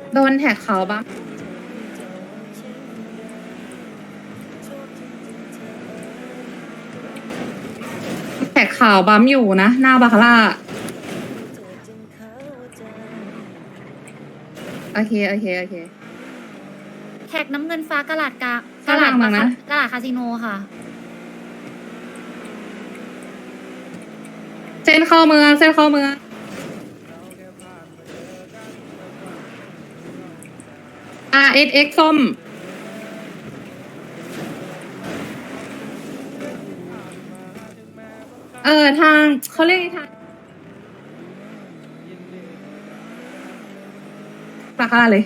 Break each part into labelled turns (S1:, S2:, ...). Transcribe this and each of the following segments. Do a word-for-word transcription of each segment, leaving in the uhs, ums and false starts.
S1: โดนแท็กเขาบ้างแท็กข่าวบัมอยู่นะ หน้าบาคาร่าโอเค โอเค โอเค
S2: แท็กน้ำเงินฟ้ากระลาดกาก
S1: กระลาดมานะ
S2: กระลาดคาสิโนค่ะ
S1: เส้นเข้าเมืองเส้นเข้าเมืองอาร์เอสเอ็กส้ม เออ ทางเขาเรียกไงทางบาคาร่าเลย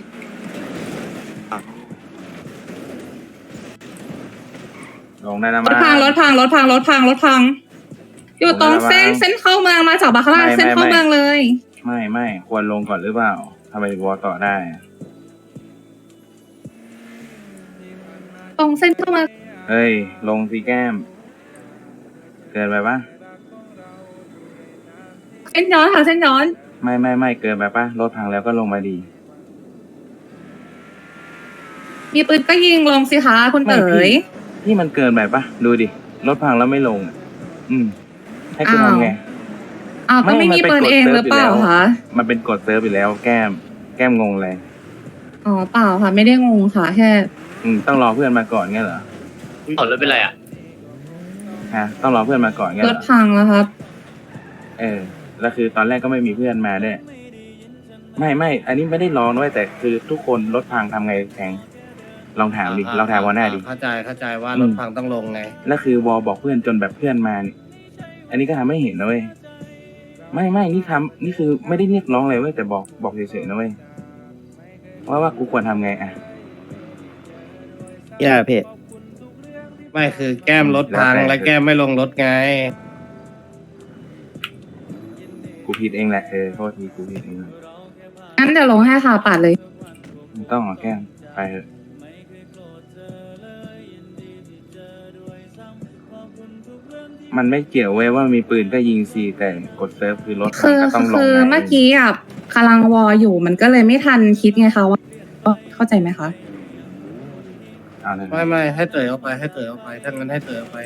S3: ลงได้นะ
S1: ร
S3: มา
S1: ถพังรถพังรถพังรถพังรถพัง อยู่ตรงเส้นเส้นเข้าเมืองมาจากบาคาร่าเส้นเข้าเมืองเลย
S3: ไม่ไม่ควรลงก่อนหรือเปล่าทำไมวอต่อได้
S1: ตรงเส้นเข้าเมือง
S3: เฮ้ย ลงสีแก้ม เกินไปปะ
S1: เส้นย้อนค่ะเส้นย้อน
S3: ไม่ไม่ไม่เกินไปปะรถพังแล้วก็ลงมาดี
S1: มีปืนก็ยิงลงสิคะคุณ
S3: ไม่
S1: เต๋
S3: พี่
S1: ย
S3: นี่มันเกินไปปะดูดิรถพังแล้วไม่ลงอะอืม ให้กู
S1: อ้าว
S3: ทำไง
S1: อ้าวก็
S3: ไม่
S1: ไม่มี
S3: มันเป็น
S1: ปืน
S3: กฎ
S1: เอง
S3: เซิร์
S1: ห
S3: ฟ
S1: รือเปล่า
S3: อยู่แล้ว
S1: คะ
S3: มันเป็นกดเซิร์ฟไปแล้ว แก้ม แก้มงงเลย
S1: อ๋อเปล่าค่ะ ไม่ได้งงค่ะ แค่
S3: อืมต้องรอเพื่อนมาก่อนเงี้ยเหรอ
S4: ถอดรถเป็นไรอ่ะ
S3: ฮะต้องรอเพื่อนมาก่อนเงี้ย
S1: ร
S3: เหร
S1: ถ
S3: อ
S1: พังแล้วครับ
S3: เออแล้วคือตอนแรกก็ไม่มีเพื่อนมาด้วยไม่ไม่อันนี้ไม่ได้ร้องด้วยแต่คือทุกคนรถพังทำไงแทงลองถามดิลองถามวอหน้าดิ
S5: เข้าใจเข้าใจว่า
S3: อืม
S5: รถพังต้องลงไง
S3: แล้วคือวอบอกเพื่อนจนแบบเพื่อนมานี่อันนี้ก็ทำให้เห็นนะเว้ยไม่ไม่นี่ทำนี่คือไม่ได้เรียกร้องเลยเว้ยแต่บอกบอกเฉยๆนะเว้ยว่าว่ากูควรทำไงอ่ะ
S6: แย่เพจ
S5: ไม่คือแก้มรถพัง
S3: แล้วแต่
S5: แล้วแก้มไม่ลงรถไง
S3: กูผิดเองแหละเออโทษทีกูผิดเอง
S1: งั้นเดี๋ยวลงให้ค่ะปัดเลย
S3: ไม่ต้องหรอกแก้มไปเถอะมันไม่เกี่ยวเว้ยว่ามีปืนก็ยิงซีแต่กดเซิร์ฟคือรถ
S1: คือ
S3: ก็ต้องลง
S1: คือ
S3: ไง
S1: เมื่อกี้อ่ะกำลังวออยู่มันก็เลยไม่ทันคิดไงคะว่าเข้าใจไหมคะ
S3: เอาเลย
S5: ไม่ไม่ให้เตยเอาไปให้เตยเอาไปถ้างั้นให้เตยเอาไป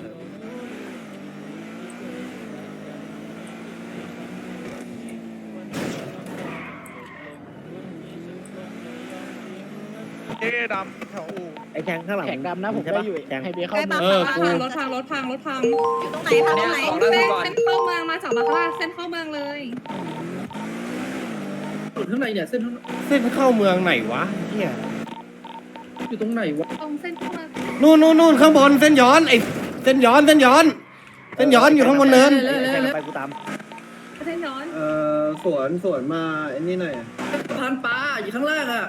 S7: เอ๊ดำแถวอู่
S6: ไอ้แข้งข้างหลัง
S8: แขกดำนะผม
S6: ใช่
S8: ก็
S6: ปะ
S8: อยู่
S6: แข้ง
S8: ไฮเบียเข้า
S2: ได้
S8: เมื
S2: ปะ
S8: อง
S5: เออกู
S1: รถพังรถพังรถพัง
S2: อยู่ตรงไหนคะตรงไหน
S1: เส้นเส้นเข้าเมืองมาจากบาคาร่าเส้นเข้าเมืองเลย
S8: สุดข้างในเนี่ยเส้นข้าง
S5: เส้นเข้าเมืองไหนวะเนี่ย
S8: อยู่ตรงไหนวะ
S1: ตรงเส้นเข้าเมือง
S5: นู่นนู่นนู่นข้างบนเส้นย้อนไอ้เส้นย้อนเส้นย้อน เส้นย้อนอยู่ข้างบนเนิน
S6: แข้งไปกูตาม
S1: เส้นย้อน
S8: เอ่อสวนสวนมาไอ้นี่หน่อยสะพานปลาอยู่ข้างล่างอ่ะ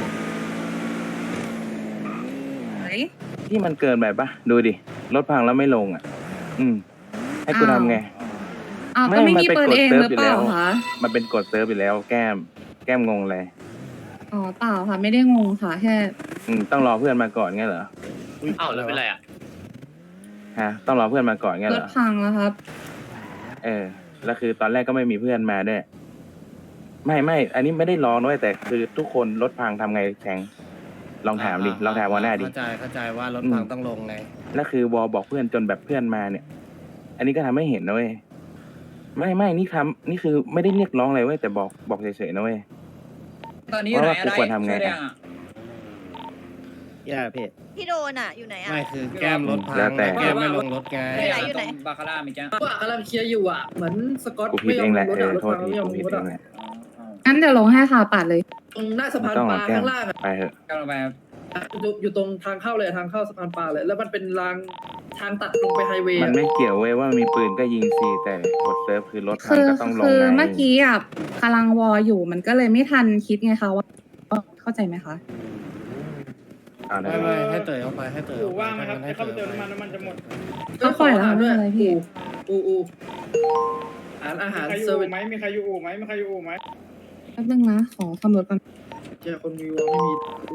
S1: ไหน
S3: ที่มันเกินไปปะดูดิรถพังแล้วไม่ลงอ่ะ อืม ให้กูทำไง
S1: อ้าว
S3: ไม่
S1: ก็ไม่
S3: มัน
S1: มี
S3: เป็น
S1: ปืน
S3: กฎ
S1: เอง
S3: เซิร์
S1: ห
S3: ฟ
S1: รือเปล่า
S3: อยู่แล้ว
S1: คะ
S3: มันเป็นกดเซิร์ฟไปแล้ว แก้ม แก้มงงเลย
S1: อ๋อเปล่าค่ะ ไม่ได้งงค่ะ แค่
S3: อืมต้องรอเพื่อนมาก่อนเงี้ยเหรอ
S4: อ้าวรถเป็นไรอ่ะ
S3: ฮะต้องรอเพื่อนมาก่อนเงี้ย
S1: ร
S3: เหร
S1: ถ
S3: อ
S1: พังแล้วครับ
S3: เออแล้วคือตอนแรกก็ไม่มีเพื่อนมาด้วยไม่ไม่อันนี้ไม่ได้ร้องด้วยแต่คือทุกคนรถพังทำไงแทงลองถามดิลองถามวอหน้าดิ
S5: เข้าใจเข้าใจว่ารถพังต้องลงไง
S3: แล้วคือวอบอกเพื่อนจนแบบเพื่อนมาเนี่ย อันนี้ก็ทำให้เห็นนะเว้ยไม่ไม่นี่ทำนี่คือไม่ได้เรียกร้องอะไรเว้ยแต่บอกบอกเฉยๆนะเว้ย
S9: ตอนนี้อยู่ไหน
S3: ว่ากูควรทำไง
S9: ช่วยด้
S3: อะ
S9: อะ
S6: แย่เพจ
S2: พี่โดนอ่ะอยู่ไหนอ่ะ
S5: ไม่คือแก้มรถพัง
S3: แล้วแต่
S5: แล้วแก้มไม่ลงรถไง
S2: ไหนอยู่ไหน
S9: ตรงบาคาร่ามีจ้า
S8: ว่ากำลังเคลียร์อยู่อ่ะ เหมือนสกอต
S3: กูผิด
S8: ไม่ย
S3: เอ
S8: อม
S3: งแห
S8: ล
S3: ละ
S8: งรถ
S3: เอ
S8: อ่ะ
S3: อ
S8: รถ
S3: โทษ
S8: พัง
S3: ที
S8: ไม่ยอม
S3: กู
S8: ลง
S3: ผิด
S8: รถ
S3: เอ
S8: อ่ะ
S3: งแหละ
S1: งั้นเดี๋ยวลงให้ค่ะปัดเลย
S8: ตรงหน้าสะ
S3: ไม่
S8: พาน
S3: ต้อง
S8: ป
S3: หร
S8: ลา
S3: อกแก้
S8: ข้าม งล่างอ่ะ
S3: ไปเถอะ
S9: กำลังไปครับ
S8: อยู่อยู่ตรงทางเข้าเลยทางเข้าสะพานปลาเลย แล้วมันเป็นรางทางตัดลงไปไฮเวย์
S3: มัน
S8: อะ
S3: ไม่เกี่ยวเว้ยว่ามีปืนก็ยิงซีแต่กดเซิร์ฟคือรถพั
S1: คื
S3: ง
S1: อ
S3: ก็ต้องลง
S1: คือ
S3: ไง
S1: เมื่อกี้อ่ะกำลังวออยู่มันก็เลยไม่ทันคิดไงคะว่าเข้าใจไหมคะ
S3: เอาเลย
S5: ไม่ไม่ให้เตยเอาไปให้เตยเอาไป
S7: ว่างไหมครับ
S5: ถ้งั้น
S7: ให้เข้าไปเติม
S5: ให้
S7: น้ำมันน้ำมันจะหมด
S1: เขาปล่อยแล้ว
S8: ด้วย
S1: ไม่เป็นไรพี่
S8: อูอูอาหารอาหาร
S7: มีใครอ
S8: เซอยู่ ร์วิส
S7: ไหมมีใครอยู่อู่ไหมมีใครอยู่อู่ไหม
S1: แป๊บนึงนะ ขอคำรถก่อน
S8: เจอคนมีวอลไม่มีอู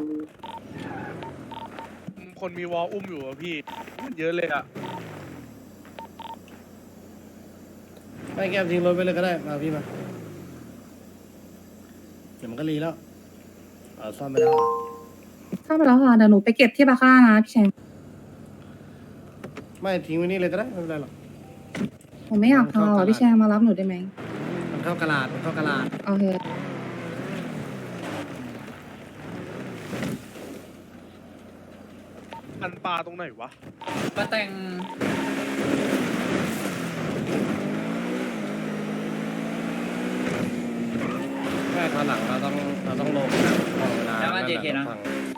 S7: คนมีวอลอุ้มอยู่อะพี่เยอะเลยอะ
S5: ไม่แก้มทิ้งรถไปเลยก็ได้มาพี่มาเดี๋ยวมันก็รีแล้วเออซ่อมไม่ได้
S1: เข้ามาแล้วค่ะเดี๋ยวหนูไปเก็บที่บาคาร่านะพี่แชง
S5: ไม่ทิ้งไว้นี่เลยก็ได้ไม่เป็นไรหรอก
S1: ผมไม่อยากพาอ่ะพี่แชงมารับหนูได้ไหม
S5: มันเข้ากระลาดมันเข้ากระลาด
S1: โอเค
S7: อันปลาตรงไหนวะ
S9: มาแต่ง
S5: แค่ตอนหลังเราต้องเราต้องลงนะพอเวลา
S9: แล้วมา
S5: นั่น
S9: เจ
S5: น่ะ
S9: เคนะ
S5: ฟัง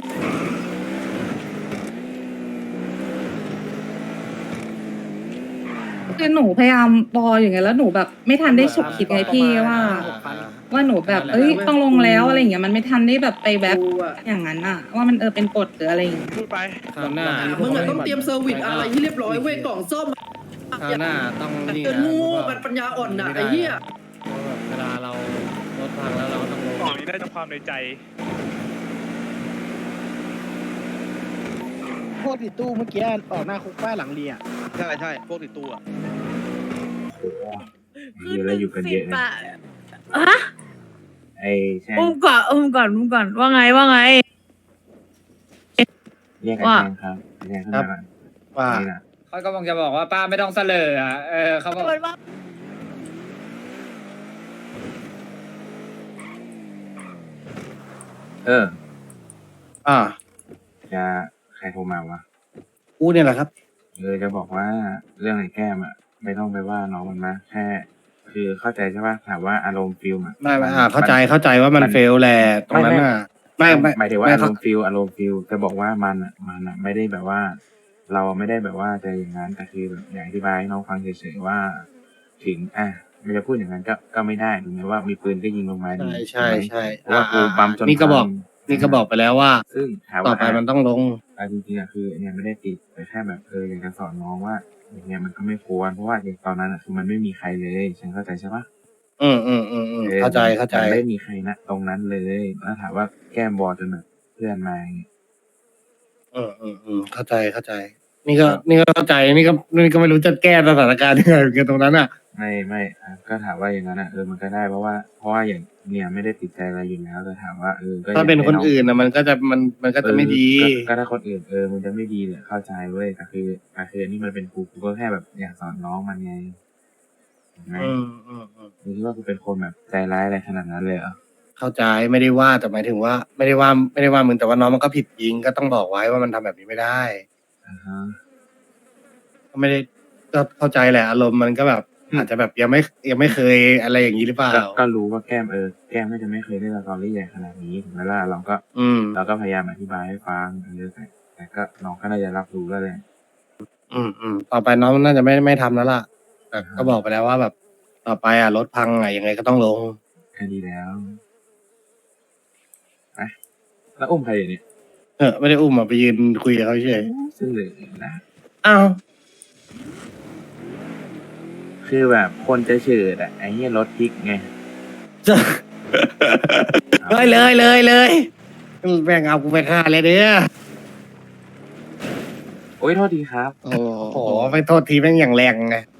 S1: คือหนูพยายามรออย่างเงี้ยแล้วหนูแบบไม่ทันได้ฉุกคิดไงพี่ว่า ว่าหนูแบบเอ้ยต้องลงแล้วอะไรอย่างเงี้ยมันไม่ทันได้แบบไปแบบ
S8: กูอะ
S1: อย่างนั้นอะว่ามันเออเป็นกฎหรืออะไรอย่างเงี้ย
S7: พูดไป
S5: คราวหน้า
S8: มึงอะต้องเตรียมเซอร์วิสอะไรที่เรียบร้อยเว้ยกล่องซ่อม
S5: คราวหน้าต้องนี่
S8: เกิน
S5: นะ
S8: งู
S5: เพราะ
S8: มัน
S5: ว่า
S8: ปัญญาอ่อนนะไอ้เหี้ย
S5: เพราะแบบเวลาเรารถพังแล้วเราก็ต้องลง
S7: กล่องนี้ได้จากความในใจ
S6: พวกติดตู้เมื่อกี้ออกหน้าคุกป้าหลังเรีย
S7: ใช่ใช่พวกติดตัว
S3: โอ้โหเยอะแล้วอยู่กันเยอะนะ
S2: อะ
S3: ไอ้แช่ง
S2: อุ้มก่อนอุ้มก่อนอุ้มก่อนว่าไงว่าไง
S3: เรียกไอ้
S2: ว่า
S3: แช่งครับไอ้แช่งขึ้นมาก่อน
S5: ว่า
S3: นี่นะ
S9: เขาก็คงจะบอกว่าป้าไม่ต้องเสลออ่ะเออเขาบอก
S3: เออ
S5: อ่า
S3: จะใครโทรมาวะ
S5: กูเนี่ยแหละครับ
S3: เออจะบอกว่าเรื่องไอ้แก้มอ่ะไม่ต้องไปว่าน้องมันมากแค่ คือเข้าใจใช่ป่ะถามว่าอารมณ์ฟิลมอ่ะ
S5: ไม่ไม่อ่าเข้าใจเข้าใจว่ามันเฟลแหละตรงนั้นน่ะไม่ไม่
S3: หมายถึงว่า
S5: ไม่
S3: อาร
S5: เขา
S3: มณ์ฟิลอารมณ์ฟิลจะบอกว่ามันอ่ะมันอ่ะไม่ได้แบบว่า เราไม่ได้แบบว่าจะอย่างนั้นแต่คือแบบอยากอธิบายให้น้องฟังเฉยๆว่า ถึงอ่ะไม่จะพูดอย่างนั้นก็ก็ไม่ได้ถึงแม้ว่ามีปืนก็ยิงลงมาดี
S5: ใช่ใช่
S3: ถูกไหมเพราะว่ากูบัมจน
S5: นี่ก็บอก
S3: พัง
S5: นี่ก็บอกไปแล้วว่า
S3: ซึ่งถาม
S5: ต่อ
S3: ว่า
S5: ไปมันต้องลง
S3: อ่ะจริงๆอ่ะคือเนี่ยไม่ได้ติดแต่แค่แบบเอออยากจะสอนน้องว่าอย่างเงี้ยมันก็ไม่ควรเพราะว่าอย่างตอนนั้นอ่ะคือมันไม่มีใครเลยฉันเข้าใจใช่ปะ
S5: อืมอืมอืมอืม
S3: ออ
S5: เข้าใจเข้าใจ
S3: มันไม่มีใครนะตรงนั้นเลยแล้วถามว่าแก้มบอลจนแบบเพื่อนมาอย่างเงี้ย
S5: อืมอืมอืมเข้าใจเข้าใจ นี่ก็นี่ก็เข้าใจนี่ก็นี่ก็ไม่รู้จะแก้สถานการณ์ยังไงเหมือนกันตรงนั้นอ่ะ
S3: ไม่ไม่อ่ะก็ถามว่าอย่างนั้นอ่ะเออมันก็ได้เพราะว่าเพราะว่าอย่างเนี่ยไม่ได้ติดใจอะไรอยู่แล้วแต่ถามว่าเออก็
S5: ถ้าเป็น
S3: อยก
S5: คน
S3: ให้ง
S5: อื่นนะมันก็จะมันมันก็จะไม่ดี
S3: เออก็ก็ถ้าคนอื่นเออมันจะไม่ดีเลยเข้าใจเว้ยแต่คือแต่คืออันนี่มันเป็นกูกูก็แค่แบบอยากสอนน้องมันไงเห็นไหม
S5: อืมอืมอืม
S3: มึงคิดว่ากูเป็นคนแบบใจร้ายอะไรขนาดนั้นเลยเหรอ
S5: เข้าใจไม่ได้ว่าแต่หมายถึงว่า ไม่ได้ว่าไม่ได้ว่ามึงแต่ว่าน้องมันก็ผิดจริงก็ต้องบอกไว้ว่ามันทำแบบนี้ไม่ได้
S3: อ่าฮะ
S5: ก็ไม่ได้ก็เข้าใจแหละอารมณ์มันก็แบบ อาจจะแบบยังไม่ยังไม่เคยอะไรอย่างนี้หรือเปล่า
S3: ก็ก็รู้ว่าแก้มเออแก้มน่าจะไม่เคยเล่นละครเรื่องใหญ่ขนาดนี้ถึงแม้ว่าเราก็
S5: อืม
S3: เราก็พยายามอธิบายให้ฟังเออแต่แต่ก็น้องก็น่าจะรับรู้แล้วแหละ
S5: อืมอืมต่อไปน้องน่าจะไม่ไม่ทำแล้วล่ะแต่ก็บอกไปแล้วว่าแบบ ต่อไปอ่ะรถพังอ่ะยังไงก็ต้องลง
S3: แค่ดีแล้วไปแล้วอุ้มใครอยู่เนี่ย
S5: เออไม่ได้อุ้มอ่ะไปยืนคุยกับเขาเฉย
S3: ซึ่งเลยนะ
S5: อ้าว
S3: คือแบบคนจะเฉิดอ่ะไอ้เหี้ยรถพลิกไง
S5: เลยเลยเลยเลยแม่งเอากูไปฆ่าเลยเด้อ
S3: โอ้ยโทษทีครับ
S5: โอ้โหไปโทษทีแม่งอย่างแรงไง